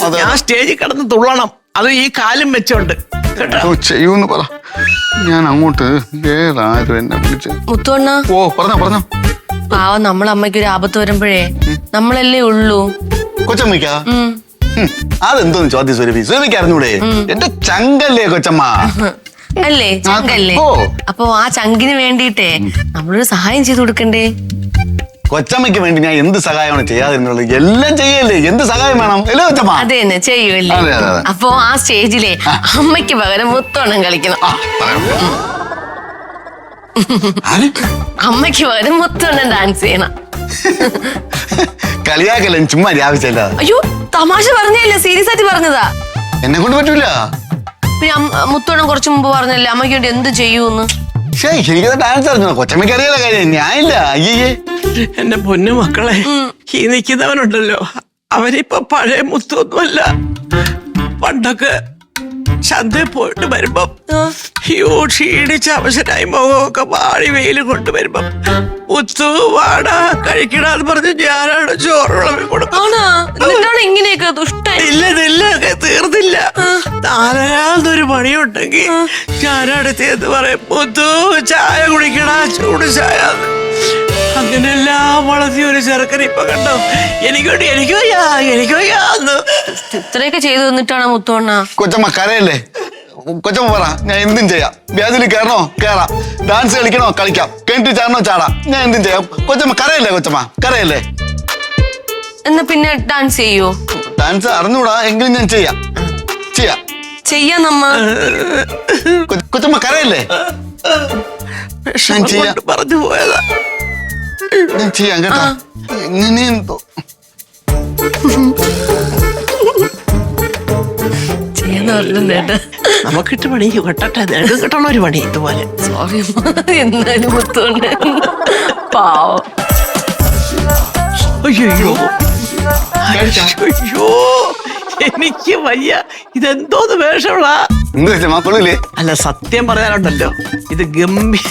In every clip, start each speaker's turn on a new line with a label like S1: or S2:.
S1: ഞാൻ സ്റ്റേജിൽ കിടന്ന് തുള്ളണം, അത് ഈ കാലും വെച്ചോണ്ട് കേട്ടോ.
S2: ചെയ്യൂന്ന് പറ. ഞാൻ അങ്ങോട്ട് ഏതാരും എന്നെ വിളിച്ച്.
S3: മുത്തുവണ്ണ,
S2: ഓ പറഞ്ഞോ.
S3: പാവം നമ്മളമ്മയ്ക്ക് ഒരു ആപത്ത് വരുമ്പോഴേ നമ്മളല്ലേ ഉള്ളൂ.
S2: കൊച്ചമ്മയ്ക്കാ? അതെന്തോന്ന് ചോദ്യം സുരഭി? സുരഭിക്ക് അറിഞ്ഞൂടെ? എന്റെ ചങ്കല്ലേ കൊച്ചമ്മ.
S3: അല്ലേ, ചങ്കല്ലേ? അപ്പൊ ആ ചങ്കിന് വേണ്ടിട്ടേ നമ്മളൊരു സഹായം ചെയ്തു കൊടുക്കണ്ടേ?
S2: കൊച്ചമ്മയ്ക്ക് വേണ്ടി ഞാൻ എന്ത് സഹായമാണ് ചെയ്യാതിരുന്നുള്ളത്? എല്ലാം ചെയ്യല്ലേ, എന്ത് സഹായം വേണം അല്ലേ കൊച്ചമ്മ?
S3: അതെ തന്നെ ചെയ്യൂല്ലേ. അപ്പൊ ആ സ്റ്റേജിലെ അമ്മയ്ക്ക് പകരം മുത്തോണം കളിക്കണം. അമ്മയ്ക്ക് പകരം മുത്തോണം ഡാൻസ് ചെയ്യണം.
S2: കളിയാക്കല്ലേ, ചുമ്മാ ആവശ്യമില്ല.
S3: അയ്യോ, തമാശ പറഞ്ഞല്ലേ, സീരിയസ് ആയിട്ട് പറഞ്ഞതാ.
S2: എന്നെ കൊണ്ട് പറ്റൂല.
S3: പിന്നെ മുത്തോണം കുറച്ചു മുമ്പ് പറഞ്ഞല്ലേ അമ്മയ്ക്ക് വേണ്ടി എന്ത് ചെയ്യൂന്ന്.
S2: എനിക്ക് ഡാൻസ് അറിഞ്ഞോ? കൊച്ചമ്മയ്ക്ക് അറിയാലോ കാര്യം, ഞാനില്ല. അയ്യേ
S1: എന്റെ പൊന്നു മക്കളെ, ഈ നിൽക്കുന്നവനുണ്ടല്ലോ, അവരിപ്പൊ പഴയ മുത്തൊന്നുമല്ല. പണ്ടൊക്കെ ചന്തയിൽ പോയിട്ട് വരുമ്പം ക്ഷീണിച്ച അവശനായി മുഖമൊക്കെ വാടി വെയിൽ കൊണ്ടുവരുമ്പം മുത്തു വാടാ കഴിക്കടാന്ന് പറഞ്ഞ് ഞാനാണ് ചോറുളവി കൊടുക്കും.
S3: ഇങ്ങനെയൊക്കെ
S1: ഇല്ല തീർന്നില്ല. നാലാമതൊരു പണിയുണ്ടെങ്കിൽ ഞാനടുത്തേന്ന് പറയും, മുത്തു ചായ കുടിക്കടാ, ചൂട് ചായ. അങ്ങനെല്ലാം വളർത്തിയ ഒരു ചെറുക്കൻ ഇപ്പൊ കണ്ടോ, എനിക്ക് വയ്യാന്ന്
S3: ഇത്രയൊക്കെ ചെയ്തു തന്നിട്ടാണ് മുത്തോണ്ണ.
S2: കൊച്ചമ്മ കരയല്ലേ? കൊച്ചമ്മ പറ, ഞാൻ എന്തും ചെയ്യാം. വ്യാജിൽ കയറണോ കയറാം, ഡാൻസ് കളിക്കണോ കളിക്കാം, കിണറ്റിൽ ചാടണോ ചാടാം, ഞാൻ എന്തും ചെയ്യാം. കൊച്ചമ്മ കരയല്ലേ? കൊച്ചമ്മ കരയല്ലേ?
S3: എന്നാ പിന്നെ ഡാൻസ് ചെയ്യോ?
S2: ഡാൻസ് അറിഞ്ഞൂടാ എങ്കിലും ഞാൻ ചെയ്യാം
S3: നമ്മ.
S2: കൊച്ചമ്മ കരയല്ലേ?
S1: പറഞ്ഞു പോയതാ.
S2: ഞാൻ ചെയ്യാം കേട്ടോ. എങ്ങനെയെന്തോ
S1: നമുക്കിട്ട് പണി കെട്ടട്ടെ, നിനക്ക് കിട്ടണ ഒരു പണി ഇതുപോലെ.
S3: സോറി എന്നാലും മുത്തോണ്ട് പാവം.
S1: അയ്യോ എനിക്ക് വയ്യ. ഇതെന്തോന്ന് വേഷമുള്ള? അല്ല, സത്യം പറയാനുണ്ടല്ലോ, ഇത് ഗംഭീര.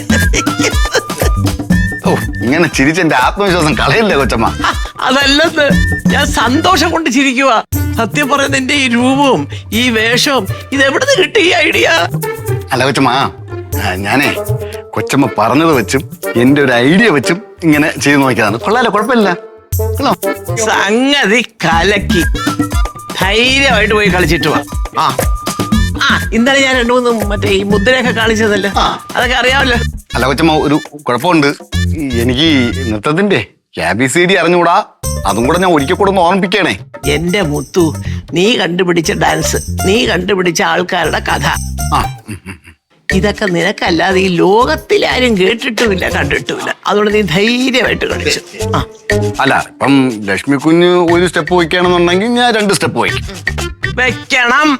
S2: ഇങ്ങനെ ചിരിച്ചെന്റെ ആത്മവിശ്വാസം കളയില്ലേ കൊച്ചമ്മ?
S1: അതല്ലെന്ന്, ഞാൻ സന്തോഷം കൊണ്ട് ചിരിക്കുക. സത്യം പറയുന്ന എന്റെ ഈ രൂപവും ഈ വേഷവും ഇതെവിടുന്ന് കിട്ടി ഈ ഐഡിയ?
S2: അല്ല കൊച്ചമ്മ, ഞാനേ കൊച്ചമ്മ പറഞ്ഞത് വെച്ചും എന്റെ ഒരു ഐഡിയ വെച്ചും ഇങ്ങനെ ചെയ്ത് നോക്കിയതാണ്. കൊള്ളാലോ, കുഴപ്പമില്ല.
S1: സംഗതി കലക്കി. ധൈര്യമായിട്ട് പോയി കളിച്ചിട്ട് വാ. ഇന്നലെ ഞാൻ 2-3 മറ്റേ ഈ മുദ്രയൊക്കെ കാണിച്ചതല്ലോ, അതൊക്കെ അറിയാമല്ലോ.
S2: അല്ല കൊച്ചമ്മ, ഒരു കുഴപ്പമുണ്ട്. എനിക്ക് നൃത്തത്തിന്റെ ABCD അറിഞ്ഞുകൂടാ. അതും കൂടെ ഞാൻ ഒരിക്കൽ കൂടെ ഒന്ന് ഓർമ്മിപ്പിക്കണേ.
S1: എന്റെ മുത്തു, നീ കണ്ടുപിടിച്ച ഡാൻസ്, നീ കണ്ടുപിടിച്ച ആൾക്കാരുടെ കഥ, ഇതൊക്കെ നിനക്കല്ലാതെ ഈ ലോകത്തിലാരും കേട്ടിട്ടുമില്ല കണ്ടിട്ടുമില്ല. അതുകൊണ്ട് നീ ധൈര്യമായിട്ട് കളിച്ചു.
S2: അല്ല, ഇപ്പം ലക്ഷ്മി കുഞ്ഞ് ഒരു സ്റ്റെപ്പ് വയ്ക്കണമെന്നുണ്ടെങ്കിൽ ഞാൻ 2 സ്റ്റെപ്പ്
S1: വെക്കണം.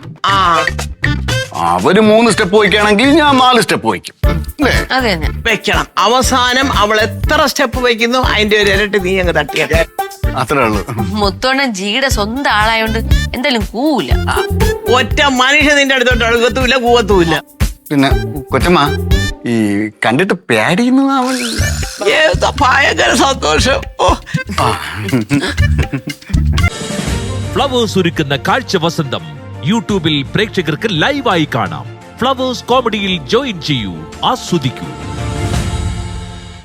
S2: അവര് 3 സ്റ്റെപ്പ് വയ്ക്കുകയാണെങ്കിൽ ഞാൻ 4 സ്റ്റെപ്പ് വയ്ക്കും.
S1: വെക്കണം. അവസാനം അവൾ എത്ര സ്റ്റെപ്പ് വയ്ക്കുന്നു അതിന്റെ ഒരു ഇരട്ടി നീ അങ്ങ് തട്ടിയാൽ
S2: അത്രേ ഉള്ളൂ.
S3: മുത്തോണ്ണ ജിയുടെ സ്വന്തം ആളായോണ്ട് എന്തായാലും കൂല.
S1: ഒറ്റ മനുഷ്യ നിന്റെ അടുത്തോട്ട് അഴുകത്തുമില്ല, കൂവത്തുമില്ല.
S2: പിന്നെ കൊച്ചമ്മ, ഈ കണ്ടിട്ട് പേടിയുന്നതാവില്ല.
S1: ഭയങ്കര സന്തോഷം.
S4: ഫ്ലവേഴ്സ് ഒരുക്കുന്ന കാഴ്ച വസന്തം യൂട്യൂബിൽ പ്രേക്ഷകർക്ക് ലൈവായി കാണാം. ഫ്ലവേഴ്സ് കോമഡിയിൽ ജോയിൻ ചെയ്യൂ, ആസ്വദിക്കൂ.